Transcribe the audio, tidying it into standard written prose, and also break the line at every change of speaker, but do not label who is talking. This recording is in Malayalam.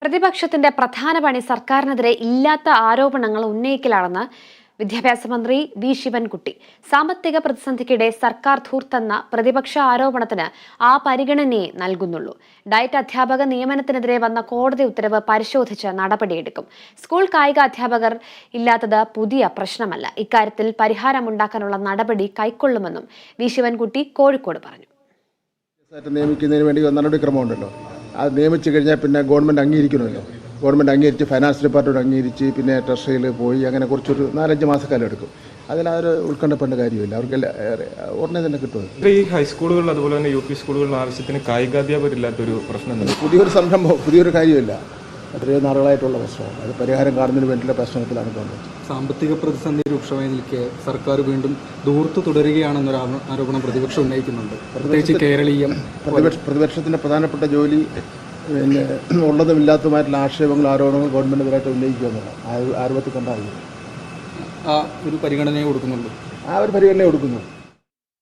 പ്രതിപക്ഷത്തിന്റെ പ്രധാന പണി സർക്കാരിനെതിരെ ഇല്ലാത്ത ആരോപണങ്ങൾ ഉന്നയിക്കലാണെന്ന് വിദ്യാഭ്യാസ മന്ത്രി വി ശിവൻകുട്ടി. സാമ്പത്തിക പ്രതിസന്ധിക്കിടെ സർക്കാർ ധൂർത്തെന്ന പ്രതിപക്ഷ ആരോപണത്തിന് ആ പരിഗണനയെ നൽകുന്നുള്ളൂ. ഡയറ്റ് അധ്യാപക നിയമനത്തിനെതിരെ വന്ന കോടതി ഉത്തരവ് പരിശോധിച്ച് നടപടിയെടുക്കും. സ്കൂൾ കായിക അധ്യാപകർ ഇല്ലാത്തത് പുതിയ പ്രശ്നമല്ല. ഇക്കാര്യത്തിൽ പരിഹാരമുണ്ടാക്കാനുള്ള നടപടി കൈക്കൊള്ളുമെന്നും വി ശിവൻകുട്ടി കോഴിക്കോട് പറഞ്ഞു.
നിയമിക്കുന്നതിന് വേണ്ടി നടപടിക്രമമുണ്ടല്ലോ. അത് നിയമിച്ചു കഴിഞ്ഞാൽ പിന്നെ ഗവൺമെൻറ് അംഗീകരിക്കണമല്ലോ. ഗവൺമെൻറ് അംഗീകരിച്ച് ഫൈനാൻസ് ഡിപ്പാർട്ട്മെൻറ്റ് അംഗീകരിച്ച് പിന്നെ ട്രഷറിയിൽ പോയി അങ്ങനെ കുറച്ചൊരു 4-5 മാസക്കാലം എടുക്കും. അതിലൊരു ഉത്കണ്ഠപ്പെടേണ്ട കാര്യമില്ല. അവർക്ക് ഉടനെ തന്നെ കിട്ടും.
ഈ ഹൈസ്കൂളുകളിൽ അതുപോലെ തന്നെ യു പി സ്കൂളുകളിൽ ആവശ്യത്തിന് കായികാധ്യാപകരില്ലാത്തൊരു പ്രശ്നം
പുതിയൊരു സംരംഭം, പുതിയൊരു കാര്യമില്ല. എത്രയോ നാളുകളായിട്ടുള്ള പ്രശ്നമാണ്. അത് പരിഹാരം കാണുന്നതിന് വേണ്ടിയുള്ള പ്രശ്നത്തിലാണ് ഗവൺമെൻറ്.
സാമ്പത്തിക പ്രതിസന്ധി രൂക്ഷമായി നിൽക്കെ സർക്കാർ വീണ്ടും ധൂർത്ത് തുടരുകയാണെന്നൊരു ആരോപണം പ്രതിപക്ഷം ഉന്നയിക്കുന്നുണ്ട്. പ്രത്യേകിച്ച് കേരളീയം
പ്രതിപക്ഷത്തിൻ്റെ പ്രധാനപ്പെട്ട ജോലി പിന്നെ ഉള്ളതും ഇല്ലാത്തതുമായിട്ടുള്ള ആക്ഷേപങ്ങൾ, ആരോപണങ്ങൾ ഗവൺമെൻറ്റിനെതിരായിട്ട് ഉന്നയിക്കുക എന്നുള്ളത് ആരോപത്തിൽ കണ്ടാൽ
ആ ഒരു പരിഗണനയെ കൊടുക്കുന്നുള്ളൂ.
ആ ഒരു പരിഗണനയെ കൊടുക്കുന്നു.